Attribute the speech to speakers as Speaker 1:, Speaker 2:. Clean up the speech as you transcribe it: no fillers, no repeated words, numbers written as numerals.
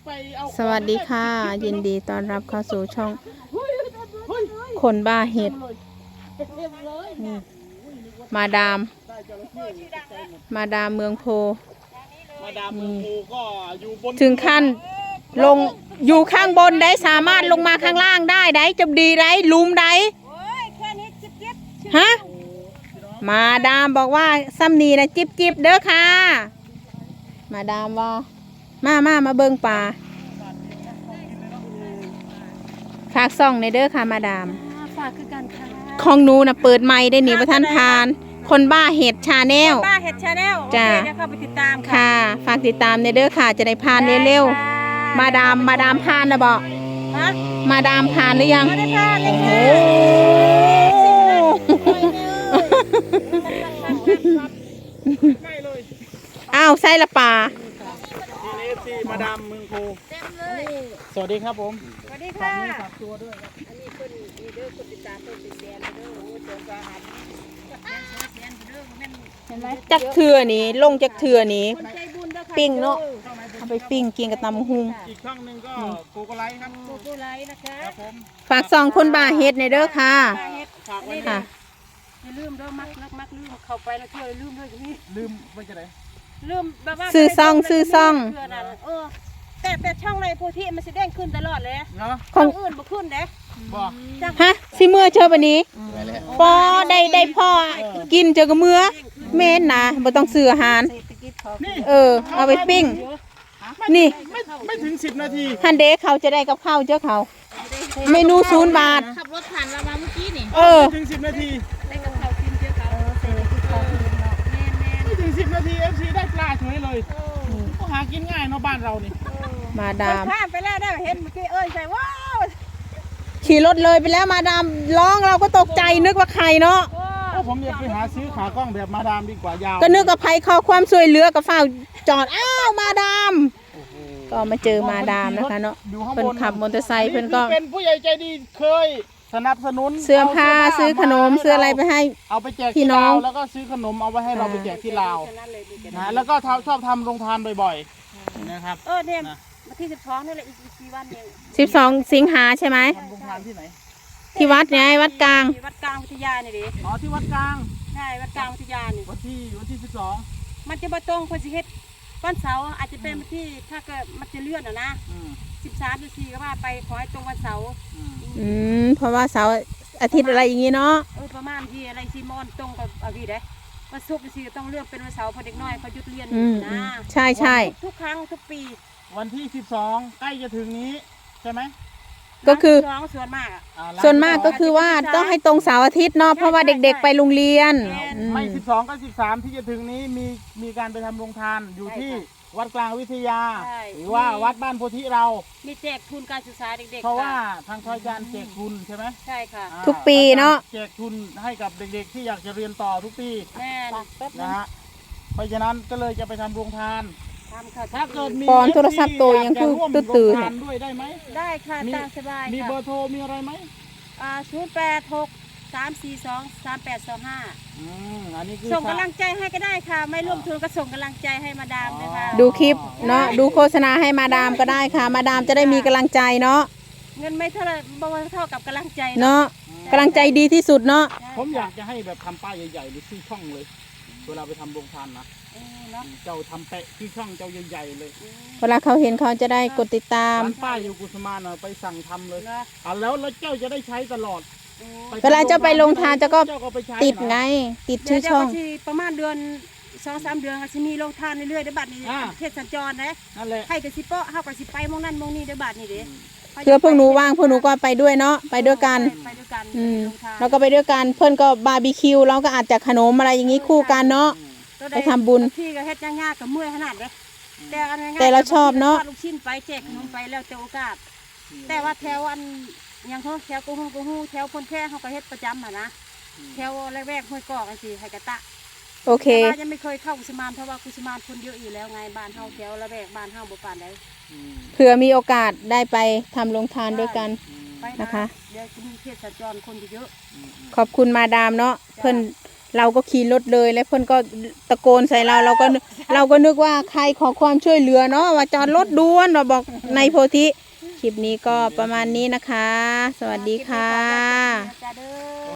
Speaker 1: สวัสดีค่ะยินดีต้อนรับเข้าสู่ช่องคนบ้าเห็ดมาดามเมืองโพถึงขั้นลงอยู่ข้างบนได้สามารถลงมาข้างล่างได้จะดีได้ลุมได้ฮะมาดามบอกว่าซ้ำนีนะจิบเด้อค่ะมาดามว่ามาเบิ่งป่าฝากซ่องในเด้อค่ะมาดาม
Speaker 2: ฝากคือกันค่ะ
Speaker 1: ของหนูนะเปิดไมค์ได้หนีประท่านพานคนบ้าเห็ดชาแนล
Speaker 2: จ้าเข้าไปติดตาม
Speaker 1: ค่ะฝากติดตามในเด้อค่ะจะได้พานเร็วๆมาดามพานนะบอกมาดามพานหรือยัง
Speaker 2: ไม่ได้พานเลยค่ะ
Speaker 1: อ้าวไส้ละป่า
Speaker 3: มาดามเมืองโพสวัสดีครับผม
Speaker 2: สวัสดีค่ะ
Speaker 3: ฝากตัวด้วยครับ
Speaker 2: อันนี้คนมีเด้อคนติดตามคนติดแสนเด้อโอ้เจอสาหัส
Speaker 1: เห็นไหมจักเถื่อนี้ลงจักเถื่อนี้ปิ้งเนาะเอาไปปิ้งกินกับตำหุง
Speaker 3: อีกช่องหนึ่งก็โกโกไลท์ครับ
Speaker 2: โกโกไลท์นะคะ
Speaker 1: ฝากซ่องคนบ้าเห็ดในเด้อค่ะ
Speaker 2: ฝากไว้ค่ะอย่าลืมเด้อมักลืมเข้าไปแล้วเที่ยวลืมด้วยนี่
Speaker 3: ลืมไปจะไหน
Speaker 2: ลืมแบบว่า
Speaker 1: ซื้อซ่อง
Speaker 2: แต่ช่องในโพธิมันสิเด้งขึ้นตลอดเลย
Speaker 3: เนาะ
Speaker 2: ของอื่นบ่ขึ้นเด้
Speaker 1: ฮะสิเมื่อเจอปะนี้ปอได้พ่อกินเจอกับเมื่อเม้นนะบ่ต้องซื้ออาหารเอาไปปิ้งนี่
Speaker 3: ไม่ถึง10 นาที
Speaker 1: ฮันเดเขาจะได้กับข้าวเจ้าเขาเมนู0 บาท
Speaker 2: ขับรถผ่านเรามาเมื่อกี้นี่
Speaker 3: ไม่ถึง10 นาที
Speaker 2: ได้กับข้าวกินเจ้าเขา
Speaker 3: ไม่ถึง10 นาที FC ได้ปลาเฉยเลยก็หากินง่ายเนาะบ้านเรานี่
Speaker 1: มาดาม
Speaker 2: ผ่านไปแล้วได้เห็นเมื่อกี้ใส่ว้าว
Speaker 1: ขี่รถเลยไปแล้วมาดามร้องเราก็ตกใจนึกว่าใครเนาะ
Speaker 3: ผมอยากไปหาซื้อขากล้องแบบมาดามดีกว่ายาว
Speaker 1: ก็นึกว่าภัยขอความช่วยเหลือกับฝ้าจอดอ้าวมาดามก็มาเจอมาดามนะคะเนาะเพิ่นขับมอเตอร์ไซค์เพิ่นก็
Speaker 3: เป็นผู้ใหญ่ใจดีเคยสนับสนุน
Speaker 1: เสื้อผ้าซื้อขนมซื้ออะไรไปให้
Speaker 3: เอาไปแจกที่ลาวแล้วก็ซื้อขนมเอาไว้ให้เราไปแจกที่ลาวนะแล้วก็ชอบทำโรงทานบ่อยๆนะครับ
Speaker 2: เนี่ยมาที่12นี่แหละอีกกี่วันเอง
Speaker 1: 12 สิงหาใช่ไหม
Speaker 3: ทำโรงทานที่ไหน
Speaker 1: ที่วัดไงวัดกลาง
Speaker 2: วัดกลางวิทยานี่ดิ
Speaker 3: ที่วัดกลาง
Speaker 2: ใช่วัดกลางวิทยานี่
Speaker 3: วันที่12
Speaker 2: มันจะมาตรงคนสิเฮ็ดวันเสาร์อาจจะเป็นวันที่ถ้าเกิดมันจะเลื่อนนะ13 14ก็ว่าไปขอให้ตรงวันเสาร์
Speaker 1: เพราะว่าเสาร์อาทิตย์อะไรอย่างงี้เนาะ
Speaker 2: ประมาณที่อะไรซีมอนตรงกับอะไรเด้วันศุกร์สิต้องเลือกเป็นวันเสาร์พอเด็กน้อยเขาหยุดเรียนนะ
Speaker 1: ใช่
Speaker 2: ทุกครั้งทุกปี
Speaker 3: วันที่12ใกล้จะถึงนี้ใช่ไหม
Speaker 1: ก็คือ
Speaker 2: ส่วน
Speaker 1: มากก็คือว่าต้องให้ตรงเสาร์อาทิตย์เนาะเพราะว่าเด็กๆไปโรงเรียน
Speaker 3: ไม่12กับ13ที่จะถึงนี้มีการไปทำโรงทานอยู่ที่วัดกลางวิทยาหรือว่าวัดบ้านโพธิเรา
Speaker 2: มีแจกทุนการศึกษาเด็กๆ
Speaker 3: เพราะว่าทางทอยการแจกทุนใช่ไหม
Speaker 2: ใช่ค่ะ
Speaker 1: ทุกปีเนาะ
Speaker 3: แจกทุนให้กับเด็กๆที่อยากจะเรียนต่อทุกปีนะฮะเพราะฉะนั้นก็เลยจะไปทำโรงทานถ้าเกิดมี
Speaker 1: ปอนโทรศัพท์ตัวยังคือตื่น
Speaker 3: ด้วยได้ไหม
Speaker 2: ได้ค่ะตามสบาย
Speaker 3: มีเบอร์โทรมีอะไรไหม
Speaker 2: 086 342 3825
Speaker 3: อันนี้คือ
Speaker 2: ส่งกำลังใจให้ก็ได้ค่ะไม่ร่วมทุนก็ส่งกำลังใจให้มาดามนะคะ
Speaker 1: ดูคลิปเนาะดูโฆษณาให้มาดามก็ได้ค่ะมาดามจะได้มีกำลังใจเนาะ
Speaker 2: เงินไม่เท่าไรเท่ากับกำลังใจ
Speaker 1: เนาะกำลังใจดีที่สุดเนาะ
Speaker 3: ผมอยากจะให้แบบทำป้ายใหญ่ๆหรือชื่อช่องเลยเวลาไปทำโรงทานนะเจ้าทำแปะที่ช่องเจ้าใหญ่ๆเลย
Speaker 1: เวลาเขาเห็นเขาจะได้กดติดตาม
Speaker 3: ป้ายอยู่กุสมานไปสั่งทำเลยแล้วเจ้าจะได้ใช้ตลอด
Speaker 1: เวลาเจ้าไปลงทานเจ้าก็ติดไงติดชื่อช่อง
Speaker 2: ประมาณเดือน2-3 เดือนค่ะจะมีลงทานเรื่อยๆเดี๋ยวบัดนี้เทศสัญจรนะให้กระสิเปาะเฮากระสิไปมองนั่นมองนี่เดี๋ยวบัดนี้เด้
Speaker 1: เพื่อพวกหนูว่างพวกหนูก็ไปด้วยเนาะไปด้วยกันแล้วก็ไปด้วยกันเพื่อนก็บาร์บีคิวเราก็อาจจะขนมอะไรอย่างนี้คู่กันเนาะไปทำบุญ
Speaker 2: ที่ก็เฮ็ดยากๆกับเมื่อยขนาดเลย
Speaker 1: แต่เราชอบเนาะ
Speaker 2: ลูกชิ้นไปแจกขนมไปแล้วแต่โอกาสแต่ว่าแถวอันยังเขาแถวกูฮู้แถวพนแพร่เขาก็เฮ็ดประจำนะแถวแรกๆห้วยกอกสิไห้กระตะ
Speaker 1: โอเค
Speaker 2: ยังไม่เคยเข้ากุสมานเพราะว่ากุสมานคนเยอะอยู่แล้วไงบ้านเฮาแถวละแวกบ้านเฮาบ่ปานใด
Speaker 1: เผื่อมีโอกาสได้ไปทำโรงทานด้วยกันนะคะ
Speaker 2: เดี๋ยวจะมีเทศสัญจรคนเยอะ
Speaker 1: ขอบคุณมาดามเนาะเพิ่นเราก็ขี่รถเลยแล้วเพื่อนก็ตะโกนใส่เราก็นึกว่าใครขอความช่วยเหลือเนาะว่าจอดรถด่วนเราบอกในโพธิคลิปนี้ก็ประมาณนี้นะคะ สวัสดีค่ะ
Speaker 2: จ้าเด้อ